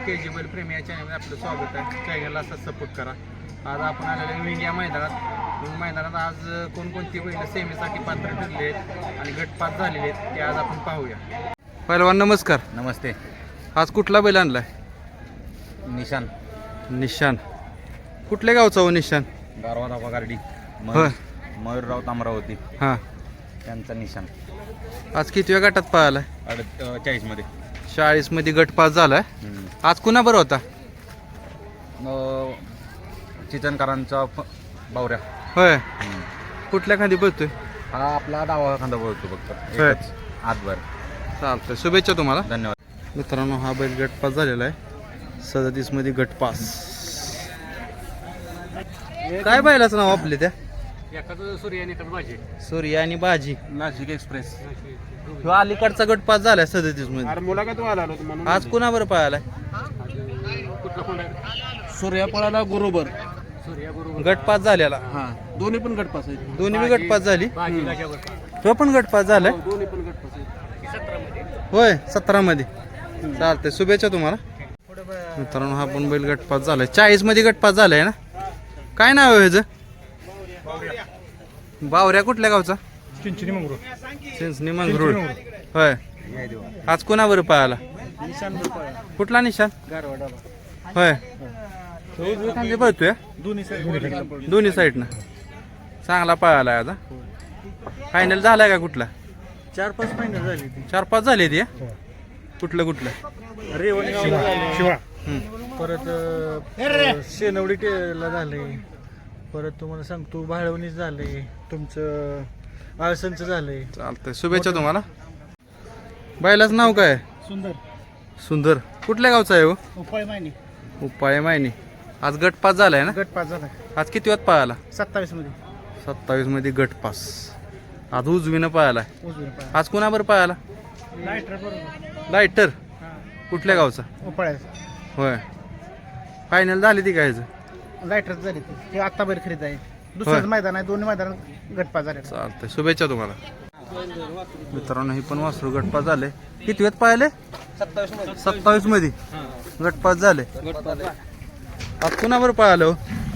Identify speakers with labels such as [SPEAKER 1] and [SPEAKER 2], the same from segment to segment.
[SPEAKER 1] KG बैल प्रेमी या चॅनलमध्ये आपलं स्वागत आहे. चॅनलला असं सपोर्ट करा. आज आपण आलेलो विंग या मैदानात आज कोणकोणती बैल सेमीसाठी पात्र ठरले आहेत आणि गटपात झालेले आहेत ते आज आपण पाहूया. पहिलवान नमस्कार.
[SPEAKER 2] नमस्ते.
[SPEAKER 1] आज कुठला बैल आणलाय? निशान. कुठल्या गावचा हो निशान?
[SPEAKER 2] गारवादा पगारडी.
[SPEAKER 1] होय.
[SPEAKER 2] मयूरराव तामरावती
[SPEAKER 1] हां.
[SPEAKER 2] त्यांचा निशान.
[SPEAKER 1] आज कितव्या गटात पाहिलाय?
[SPEAKER 2] 40 मध्ये.
[SPEAKER 1] 40 मध्ये गट पास झालाय. आज कुणा बरं होता?
[SPEAKER 2] चितनकरांचा बावऱ्या.
[SPEAKER 1] होय. कुठल्या खांदी पळतोय?
[SPEAKER 2] हा आपला डावा खांदा बोलतो फक्त
[SPEAKER 1] होय.
[SPEAKER 2] आतभर.
[SPEAKER 1] चालतंय, शुभेच्छा तुम्हाला.
[SPEAKER 2] धन्यवाद
[SPEAKER 1] मित्रांनो. हा बैल गट पास झालेला आहे 37 मध्ये गट पास. काय बैलाचं नाव आपले त्या? सूर्या आणि बाजी.
[SPEAKER 2] नाशिक एक्सप्रेस.
[SPEAKER 1] ह्यो अलीकडचा गट पास झालाय 37 मध्ये.
[SPEAKER 3] मुलाखत व्हायला आलो म्हणून.
[SPEAKER 1] आज कुणा बरं पळालाय?
[SPEAKER 3] सूर्या पळाला बरोबर.
[SPEAKER 1] गट पास झालेला.
[SPEAKER 3] हा दोन्ही पण गटपास आहेत.
[SPEAKER 1] दोन्ही बी गट पास झाली. तो पण गट पास झालाय.
[SPEAKER 3] दोन्ही पण गटपास आहेत.
[SPEAKER 1] होय 17 मध्ये. चालतंय, शुभेच्छा तुम्हाला. मित्रांनो हा पण बैल गट पास झालाय 40 मध्ये गट पास झालाय ना. काय नाव आहे ह्याचं? बावऱ्या. कुठल्या गावचा? चिंचणी मंगरूळ. होय. आज कोणावर पळाला? कुठला निशान? होय. पळतोय दोन्ही साईडनं. चांगला पळाला आता. फायनल झालाय का कुठला?
[SPEAKER 3] 4-5 फायनल झाली.
[SPEAKER 1] 4-5 झाले ती. कुठलं
[SPEAKER 3] शिवा. परत शेनवडी ला झाले. परत तुम्हाला सांगतो भाळवणीच झाले. तुमचं आळसनचं झालंय.
[SPEAKER 1] चालतंय, शुभेच्छा तुम्हाला. बैलाचं नाव काय? सुंदर. कुठल्या गावचा आहे हो? उपाय मायनी. आज गट पास झालाय ना.
[SPEAKER 3] गटपास झाला.
[SPEAKER 1] आज किती वाजता पळाला?
[SPEAKER 3] 27 मध्ये.
[SPEAKER 1] 27 मध्ये गट पास. आज उजवीनं पळालाय.
[SPEAKER 3] उजवीन पाय.
[SPEAKER 1] आज कुणाबर पळाला? लायटर. कुठल्या गावचा?
[SPEAKER 3] उपाळ्याचं.
[SPEAKER 1] होय. फायनल झाली ती काय?
[SPEAKER 3] लायटरच झाली. ते आता बैल खरेदी आहे. दुसरंच मैदान आहे. दोन्ही मैदान गटपास झाले.
[SPEAKER 1] चालतंय, शुभेच्छा तुम्हाला. मित्रांनो ही पण वासरू गटपास झाले. किती वेळ पाहिले? 27 मध्ये गटपास झाले. आज कुणाबर पळालो?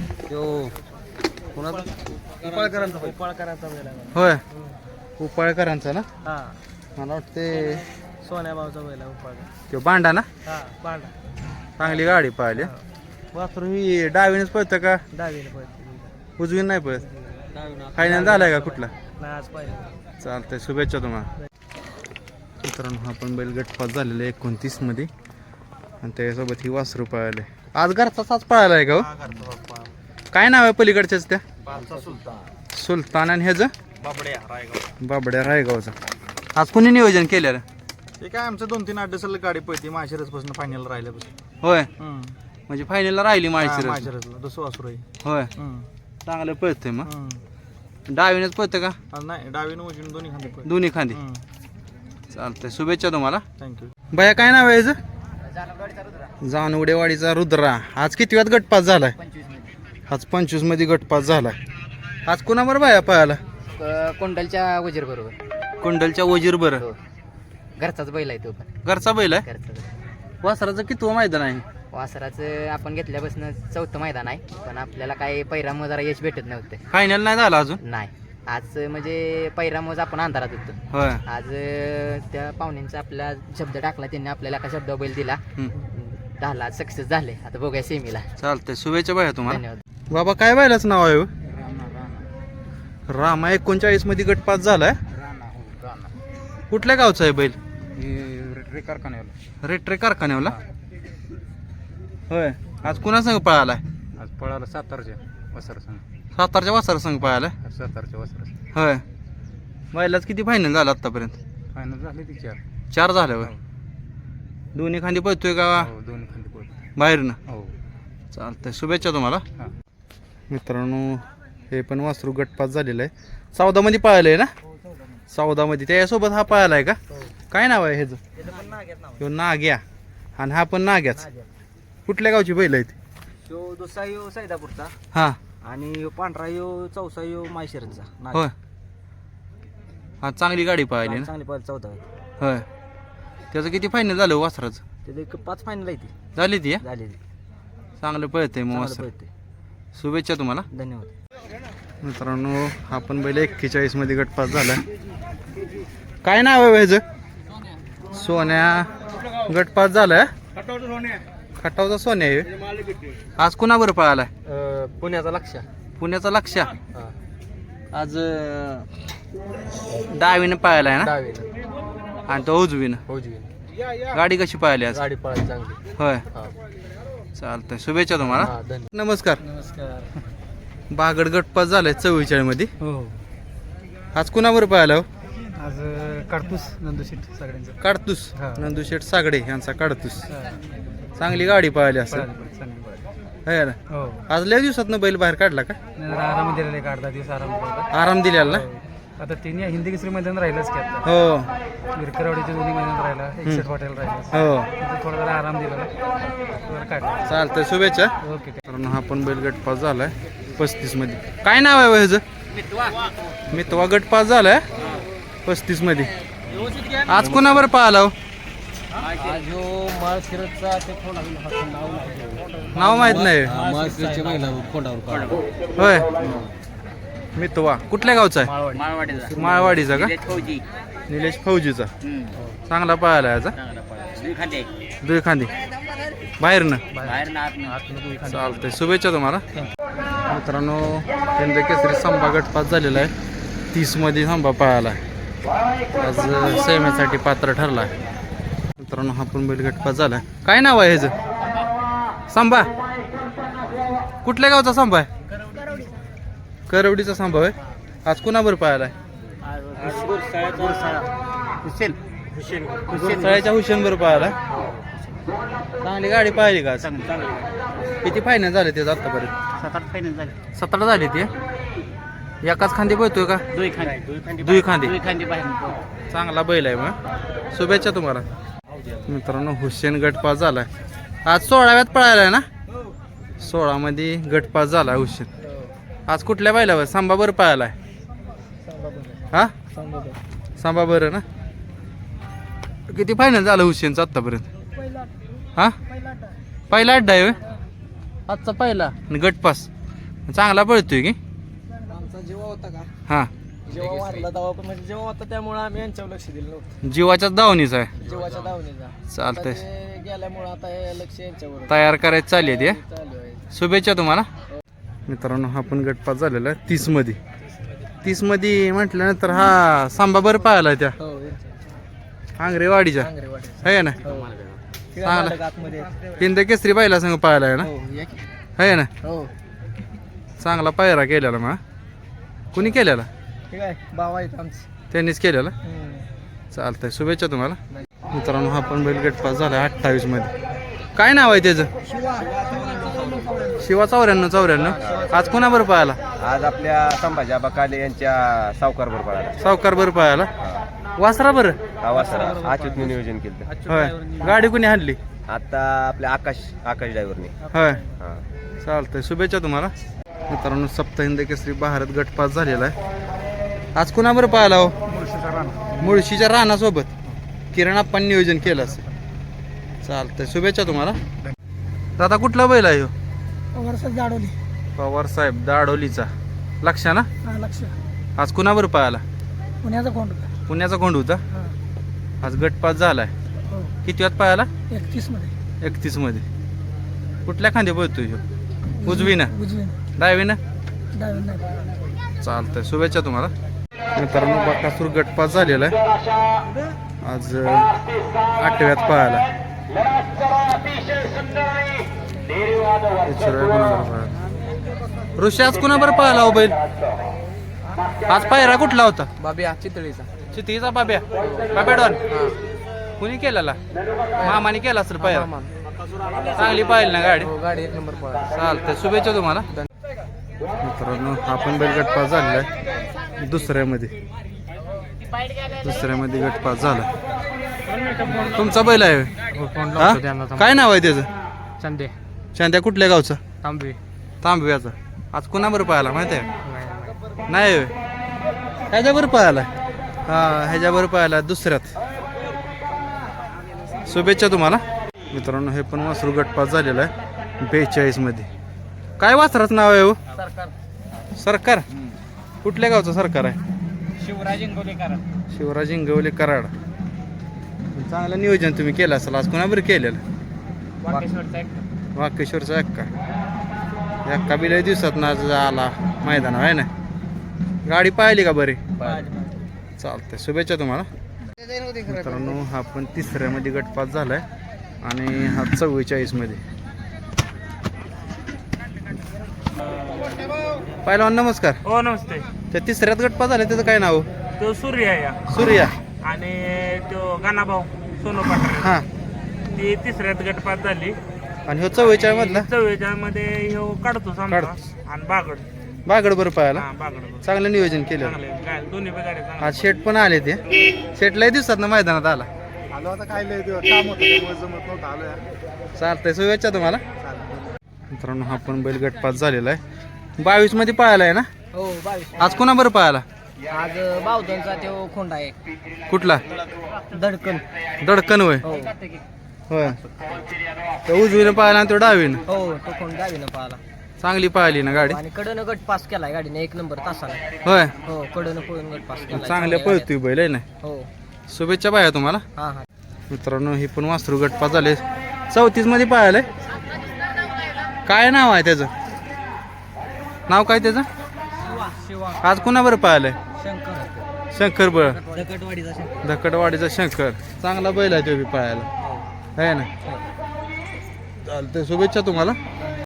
[SPEAKER 3] उपाळकरांचा बैल आहे.
[SPEAKER 1] होय. उपाळकरांचा ना.
[SPEAKER 3] हा
[SPEAKER 1] मला वाटते
[SPEAKER 3] सोन्या भाऊचा बैल आहे उपाळकर.
[SPEAKER 1] तो बांडा ना.
[SPEAKER 3] हा बांडा.
[SPEAKER 1] चांगली गाडी पाहिली. वासरू ही डावीनेच पळतं का
[SPEAKER 3] डावीने पळते.
[SPEAKER 1] उजवीन नाही पळत? फायनल झालाय का कुठला?
[SPEAKER 3] नाही आज पाहिजे.
[SPEAKER 1] चालतंय, शुभेच्छा तुम्हाला. मित्रांनो हा पण बैल गटपास झालेला आहे 29 मध्ये आणि त्याच्यासोबत ही वासरू पळाले. आज घरचा साच पळाला आहे का हो? काय नाव आहे पलीकडच्याच त्या? सुलतान. आणि ह्याचं? बाबड्या रायगावचा. आज कुणी नियोजन केलेलं?
[SPEAKER 3] ते काय आमचं 2-3 8 गाडी पळते. माशिरसपासून फायनल राहिल्यापासून.
[SPEAKER 1] होय. म्हणजे फायनलला राहिली माहिती.
[SPEAKER 3] माशिरसला दुसरं वासरू आहे.
[SPEAKER 1] होय. चांगलं पळतंय. मग डावीनेच पळतं का?
[SPEAKER 3] नाही डावीनं उजवीनं दोन्ही खांदे पळते.
[SPEAKER 1] दोन्ही खांदी. चालतंय, शुभेच्छा तुम्हाला.
[SPEAKER 3] थँक्यू.
[SPEAKER 1] बाया काय नाव आहे याचं? जानवडेवाडीचा रुद्रा. आज किती वेळात गटपास झालाय? आज 25 मध्ये गटपास झालाय. आज कोणाबर बाया पळाला?
[SPEAKER 4] कोंडलच्या वजीर बरोबर.
[SPEAKER 1] कुंडलच्या वजीर बरं.
[SPEAKER 4] घरचाच बैल आहे तो पण.
[SPEAKER 1] घरचा बैल आहे.
[SPEAKER 4] घरचा.
[SPEAKER 1] वासराचं किती मैदान आहे?
[SPEAKER 4] वासराचं आपण घेतल्यापासून 4थं मैदान आहे. पण आपल्याला काय पैरामुळे जरा यश भेटत नव्हतं.
[SPEAKER 1] फायनल नाही झाला अजून.
[SPEAKER 4] नाही आज म्हणजे पैरामुळे आपण अंधारात होतो.
[SPEAKER 1] होय.
[SPEAKER 4] आज त्या पाहुण्यांचा आपला शब्द टाकला. त्यांनी आपल्याला एका शब्द बैल दिला. 10ला सक्सेस झाले. आता बघूया सेमीला.
[SPEAKER 1] चालतंय, शुभेच्छा बाया तुम्हाला.
[SPEAKER 4] धन्यवाद.
[SPEAKER 1] बाबा काय बैलाचं नाव आहे हो? रामा. 39 मध्ये गटपास झालाय. कुठल्या गावचा आहे बैल? रेट्रे कारखान्यावला. होय. आज कुणा संघ पळालाय?
[SPEAKER 2] आज पळाला सातारच्या वसर संघ.
[SPEAKER 1] सातारच्या वासर संघ पळालाय.
[SPEAKER 2] सातारच्या वसर.
[SPEAKER 1] होय. बैलाच किती फायनल झाला आतापर्यंत?
[SPEAKER 2] फायनल झाली ती
[SPEAKER 1] 4 झाले. होय. दोन्ही खांदी पळतोय का
[SPEAKER 2] दोन्ही खांदी पळतो
[SPEAKER 1] बाहेरनं?
[SPEAKER 2] हो.
[SPEAKER 1] चालतंय, शुभेच्छा तुम्हाला.
[SPEAKER 2] हा.
[SPEAKER 1] मित्रांनो हे पण वासरू गटपास झालेलं आहे. 14 मध्ये पळालं आहे ना. 14 मध्ये त्याच्यासोबत हा पळाला आहे का? काय नाव आहे ह्याचं? ह्यो नाग्या. आणि हा पण नाग्याच. कुठल्या गावची बैल आहेत?
[SPEAKER 3] यो दुसरा यो सैदापूरचा.
[SPEAKER 1] हा.
[SPEAKER 3] आणि यो पांढरा यो चौसा यो माहेशिरसचा.
[SPEAKER 1] होय. हा चांगली गाडी पळाली ना.
[SPEAKER 3] चांगली पळाली 14.
[SPEAKER 1] होय. त्याचं किती फायनल झालं वासराचं?
[SPEAKER 3] ते एक 5 फायनल आहे ती
[SPEAKER 1] झाली ती हा?
[SPEAKER 3] झाली
[SPEAKER 1] चांगलं पळतंय मग वासर. शुभेच्छा तुम्हाला.
[SPEAKER 3] धन्यवाद.
[SPEAKER 1] मित्रांनो आपण बैल 41 मध्ये गटपास झाला. काय नाव आहे ह्याचं? सोन्या गटपास झालाय. खटावचा सोन्या आहे. आज कुणाबरोबर पळालाय?
[SPEAKER 3] पुण्याचा लक्ष
[SPEAKER 1] पुण्याचा लक्ष. आज डावीनं पळालाय ना आणि तो उजवीनं. गाडी कशी पळाली आज?
[SPEAKER 3] गाडी पळाली चांगली.
[SPEAKER 1] होय चालतंय. शुभेच्छा तुम्हाला. नमस्कार.
[SPEAKER 3] नमस्कार.
[SPEAKER 1] बागड गटपास झालाय 44 मध्ये.
[SPEAKER 3] हो
[SPEAKER 1] आज कुणाबरोबर पळाला हो?
[SPEAKER 3] आज काढतोस नंदूशीट सगळ्यांचं.
[SPEAKER 1] काढतूस
[SPEAKER 3] हा.
[SPEAKER 1] नंदूशेठ सागडे यांचा काढतूस. चांगली गाडी पळाली असं है ना.
[SPEAKER 3] हो
[SPEAKER 1] आज लय दिवसातनं बैल बाहेर काढला का?
[SPEAKER 3] आराम दिलेला एक 8-10 दिवस आराम केला.
[SPEAKER 1] आराम दिलेला ना.
[SPEAKER 3] आता तिन्ही हिंदी केसरी मैदान राहिलंच की आता.
[SPEAKER 1] हो
[SPEAKER 3] विरकरवाडीचे दोन्ही मैदान राहिला. 61 हॉटेल राहिलं.
[SPEAKER 1] हो
[SPEAKER 3] तिथे थोडा जरा आराम दिला जरा काढला.
[SPEAKER 1] चालतंय. शुभेच्छा.
[SPEAKER 3] ओके.
[SPEAKER 1] कारण हा पण बैल गटपास झालाय 35 मध्ये. काय नाव आहे ह्याचं? मितवा गटपास झालाय 35 मध्ये. आज कुणावर पाहिला हो? नाव माहित नाही होय. मितवा कुठल्या गावचा आहे? माळवाडीचा का? निलेश फौजीचा. चांगला पाहायला याचा. दुई खांदी बाहेरनं. चालतंय. शुभेच्छा तुम्हाला. मित्रांनो हिंद केसरी संभा गटपास झालेला आहे 30 मध्ये. संभा पळाला आज सेमेसाठी पात्र ठरला. मित्रांनो हा पण बैल गटपास झाला. काय नाव आहे ह्याचं? संभा. कुठल्या गावचा संभा आहे? करवडीचा संभा आहे. आज कुणाबर पळाला आहे? गुरसाळ्याच्या हुसेनबर पळाला. चांगली गाडी पाहिली का? किती फायनल झाले ते आतापर्यंत?
[SPEAKER 4] 7-8 फायनल झाले.
[SPEAKER 1] 17 झाली ते. एकाच खांदी पळतोय का? दुई खांदी. चांगला बैल आहे मग. शुभेच्छा तुम्हाला. मित्रांनो हुसेन गटपास झालाय. आज 16व्यात पळायला आहे ना. 16 मध्ये गटपास झाला हुसेन. आज कुठल्या बैलावर? सांबाबर पळालाय. हा सांबा बरं ना. किती फायनल झालं हुसेनचं आतापर्यंत? हा पहिला अड्डा आहे होय? आजचा पहिला आणि गटपास. चांगला पळतोय की?
[SPEAKER 3] आमचा जीवा होता का?
[SPEAKER 1] हा
[SPEAKER 3] जेव्हा वारला तेव्हा पण म्हणजे जेव्हा होता त्यामुळे आम्ही यांच्यावर लक्ष दिलं नव्हतं.
[SPEAKER 1] जीवाच्याच दावणीचा आहे.
[SPEAKER 3] जीवाच्या दावणीचा.
[SPEAKER 1] चालतंय.
[SPEAKER 3] गेल्यामुळे आता हे लक्ष यांच्यावर
[SPEAKER 1] तयार करायचं चालली आहे ते.
[SPEAKER 3] चालू आहे.
[SPEAKER 1] शुभेच्छा तुम्हाला. मित्रांनो हा पण गटपास झालेला आहे 30 मध्ये. 30 मध्ये म्हटल्यानंतर हा सांबाबर पाहिला त्या
[SPEAKER 3] हो
[SPEAKER 1] आंग्रेवाडीच्या आहे ना. चांगला हिंद केसरी बायला संग पाहायला आहे ना. आहे ना.
[SPEAKER 3] हो
[SPEAKER 1] चांगला पायरा केलेला मग. कुणी केलेला?
[SPEAKER 3] ठीक आहे. भाव आहेत आमचे.
[SPEAKER 1] त्यांनीच केलेला. चालतंय. शुभेच्छा तुम्हाला. मित्रांनो हा पण बैल गटपास झाला 28 मध्ये. काय नाव आहे त्याचं? शिवा 94. आज कोणाबरोबर पाहायला?
[SPEAKER 5] आज आपल्या संभाजी आबा काले यांच्या सावकार बरोबर आला.
[SPEAKER 1] सावकार बरं पाहायला. वासरा बरं.
[SPEAKER 5] हा वासरा अच्युतने नियोजन केलं.
[SPEAKER 1] होय. गाडी कुणी आणली?
[SPEAKER 5] आता आपल्या आकाश ड्रायव्हरने.
[SPEAKER 1] होय
[SPEAKER 5] हा
[SPEAKER 1] चालतंय. शुभेच्छा तुम्हाला. मित्रांनो सप्त हिंद केसरी भारत गटपास झालेला आहे. आज कुणाबरोबर पाहायला हो? मुळशीच्या रानासोबत किरण आपण नियोजन केलं असेल. चालतंय. शुभेच्छा तुम्हाला. दादा कुठला बैल आहे हो? पवार साहेब दाडोलीचा. लक्ष ना. आज कुणाबरोबर पाहायला? पुण्याचा कोंड होता. आज गटपास झालाय. किती वाजता पाहायला? 31 मध्ये. कुठल्या खांदे बोलतोय ह्यो? उजवीनं डावीनं. चालतंय. शुभेच्छा तुम्हाला. मित्रांनो बकासूर गटपास झालेला आहे आज 8व्यात पाहायला. ऋषी आज कुणाबरोबर पाहायला हो बैल? आज पायरा कुठला होता?
[SPEAKER 3] बाब्या चितळीचा.
[SPEAKER 1] चितीचा बाब्या. बाब्या डॉन कुणी केलेला? मामाने केला असेल पायरा. चांगली पाहिली ना गाडी.
[SPEAKER 3] गाडी 1 नंबर पळाला.
[SPEAKER 1] चालतंय. शुभेच्छा तुम्हाला. मित्रांनो हा पण बैल गटपास झालेला आहे दुसऱ्यामध्ये गटपास झाला. तुमचा बैल आहे हा? काय नाव आहे त्याचं? चांद्या. कुठल्या गावचा? तांबव्याचा. आज कुणाबरोबर पाहायला माहिती आहे? नाही होय. ह्याच्याबरोबर पाहायला. हा ह्याच्याबरोबर पाहायला दुसऱ्यात. शुभेच्छा तुम्हाला. मित्रांनो हे पण वासरू गटपास झालेला आहे 42 मध्ये. काय वासराचं नाव आहे हो? सरकार. कुठल्या गावचं सरकार आहे?
[SPEAKER 2] शिवराज इंगोलेकर.
[SPEAKER 1] शिवराज इंगवले कराड. चांगलं नियोजन तुम्ही केलं असेल आज. कोणाबरोबर केलेलं? वाकेश्वरचा एक्का बी लय दिवसात ना आला मैदान आहे ना. गाडी पाहिली का बरी? चालतंय, शुभेच्छा तुम्हाला. मित्रांनो हा पण 3ऱ्या मध्ये गटपास झालाय आणि हा 44 मध्ये. पहिलवान नमस्कार.
[SPEAKER 3] हो नमस्ते.
[SPEAKER 1] त्या 3ऱ्यात गटपास झाले त्याचं काय नाव?
[SPEAKER 3] तो सूर्य आहे या.
[SPEAKER 1] सूर्या.
[SPEAKER 3] आणि तो गाणाभाऊ सोनू पाटील
[SPEAKER 1] हा.
[SPEAKER 3] ती 3ऱ्यात गटपात झाली.
[SPEAKER 1] आणि हो 44 मधला
[SPEAKER 3] 44 मध्ये ह्यो काढतो समजा. आणि बागड
[SPEAKER 1] बागड बरं पाहायला.
[SPEAKER 3] बागड
[SPEAKER 1] चांगलं नियोजन केलं.
[SPEAKER 3] चांगले काय दोन्ही बी गाड्या चांगल्या.
[SPEAKER 1] आज शेट पण आले ते. शेट लय दिवसात ना मैदानात आला.
[SPEAKER 3] आलो आता काय लय काम होतं त्यामुळे जमत नव्हतं आलो यार.
[SPEAKER 1] चालतंय, शुभेच्छा तुम्हाला. मित्रांनो हा पण बैल गटपास झालेला आहे 22 मध्ये पळाला आहे ना.
[SPEAKER 4] हो 22.
[SPEAKER 1] आज कोणा बरं पळाला?
[SPEAKER 4] आज बावधनचा तो खोंडा आहे.
[SPEAKER 1] कुठला?
[SPEAKER 4] धडकन.
[SPEAKER 1] दडकन होय.
[SPEAKER 4] हो
[SPEAKER 1] होय. तो उजवीनं पळाला आणि तो डावीनं.
[SPEAKER 4] हो तो खोंड गावीनं पाहिला.
[SPEAKER 1] चांगली पाहिली ना गाडी.
[SPEAKER 4] आणि कडनं गट पास केलाय गाडीने 1 नंबर तासाला.
[SPEAKER 1] होय.
[SPEAKER 4] हो कडनं पळून गट पास केलाय.
[SPEAKER 1] चांगल्या पळतोय बैल आहे ना.
[SPEAKER 4] हो
[SPEAKER 1] शुभेच्छा पाहिजे तुम्हाला.
[SPEAKER 4] हा हा.
[SPEAKER 1] मित्रांनो हे पण वासरू गटपास झाले 34 मध्ये पाहिलंय. काय नाव आहे त्याचं? नाव काय त्याचं?
[SPEAKER 4] शिवा
[SPEAKER 1] आज कोणाबरोबर पाहिलंय?
[SPEAKER 4] शंकर
[SPEAKER 1] शंकर बळ.
[SPEAKER 4] दगडवाडीचा शंकर.
[SPEAKER 1] धकडवाडीचा शंकर. चांगला बैल आहे तो बी पाहायला आहे ना. चालतंय, शुभेच्छा तुम्हाला.